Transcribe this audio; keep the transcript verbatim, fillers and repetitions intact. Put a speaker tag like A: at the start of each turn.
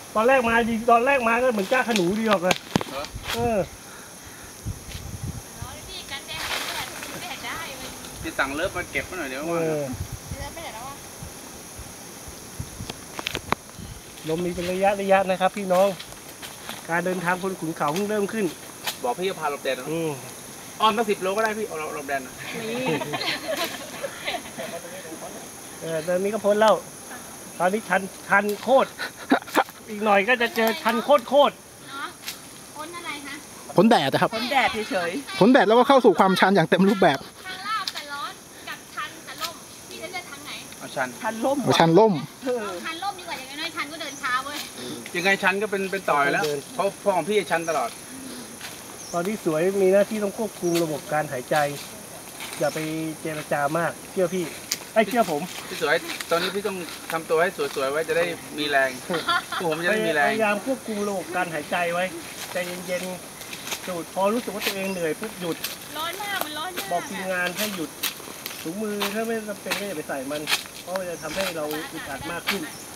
A: ตอนแรกมาดีตอนแรกมาก็เหมือนก้าขนูดีออกเลยเออ
B: ที่สั่งเลิฟมาเก็บมาหน่อยเดี๋ยวว่า
A: ลมมีเป็นระยะระยะนะครับพี่น้องการเดินทางบนขุนเขาเพิ่งเริ่มขึ้น
B: บอกพี่จะพาหลบแดดนะอ้อมตั้งสิบโลก็ได้พี่เอาหลบแดดนะ
A: เออตอนนี้ก็พ้นแล้วตอนนี้ชันชันโคตรอีกหน่อยก็จะเจอชันโคตรโคตร
C: พ้นอะไรคะ
D: พ้นแดดนะครับ
E: พ้นแดดเฉย
D: ๆพ้นแดดแล้วก็เข้าสู่ความชันอย่างเต็มรูปแบบ
C: ทางลาบแต่ร้อนกับชันแต่ล่มพี่จะเลือกทางไหน
B: เอาชัน
E: ชันล่ม
D: ชันล่ม
C: ชันล่มดีกว่าอย่างน้อยชันก็เดินช้าเว้ย
B: ยังไงชันก็เป็นเป็นต่อยแล้วเพราะพ่อของพี่ชันตลอด
A: ตอนที่สวยมีหน้าที่ต้องควบคุมระบบการหายใจอย่าไปเจรจามากเชื่อพี่ไอ้เชื่อผม
B: พี่สวยตอนนี้พี่ต้องทำตัวให้สวยๆไว้จะได้มีแรงผมจะได้มีแรง
A: พยายามควบคุมระบบการหายใจไว้ใจเย็นๆสูดพอรู้สึกว่าตัวเองเหนื่อยปุ๊บหยุด
C: ร้อนมากมันร้อนมาก
A: บอกทีมงานให้หยุดถุงมือถ้าไม่จำเป็นก็อย่าไปใส่มันเพราะมันจะทำให้เราอึดอัดมากขึ้น